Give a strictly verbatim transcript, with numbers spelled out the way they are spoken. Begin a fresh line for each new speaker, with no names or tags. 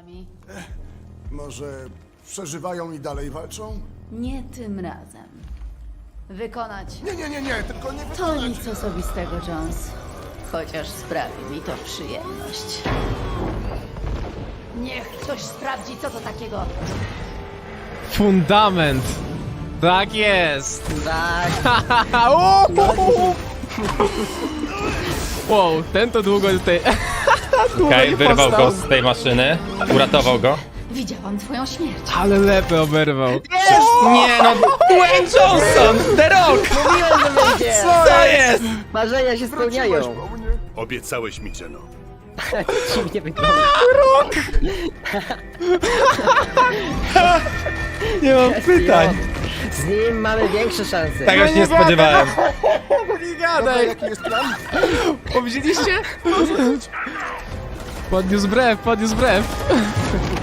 nimi?
Może przeżywają i dalej walczą?
Nie tym razem. Wykonać.
Nie, nie, nie, nie, tylko nie
To
wykonać.
nic osobistego, Jones. Chociaż sprawi mi to przyjemność. Niech ktoś sprawdzi, co to takiego.
Fundament! Tak jest!
Tak,
Uuu! Wow, ten to długo tutaj... długo
Okej,
nie
wyrwał
powstał.
go z tej maszyny, uratował go.
Widziałam twoją śmierć.
Ale lepę oberwał.
Nie no, Dwayne Johnson! The Rock!
mówiłem, że wyjdzie!
Co jest?
Marzenia się spełniają!
po mnie.
Obiecałeś mi, Jeno.
Dziwnie wygląda.
Nie mam pytań.
Z nim mamy większe szanse.
Tego się nie spodziewałem.
Nie gadaj!
Jaki jest plan?
O, widzieliście? Podniósł brew, podniósł brew.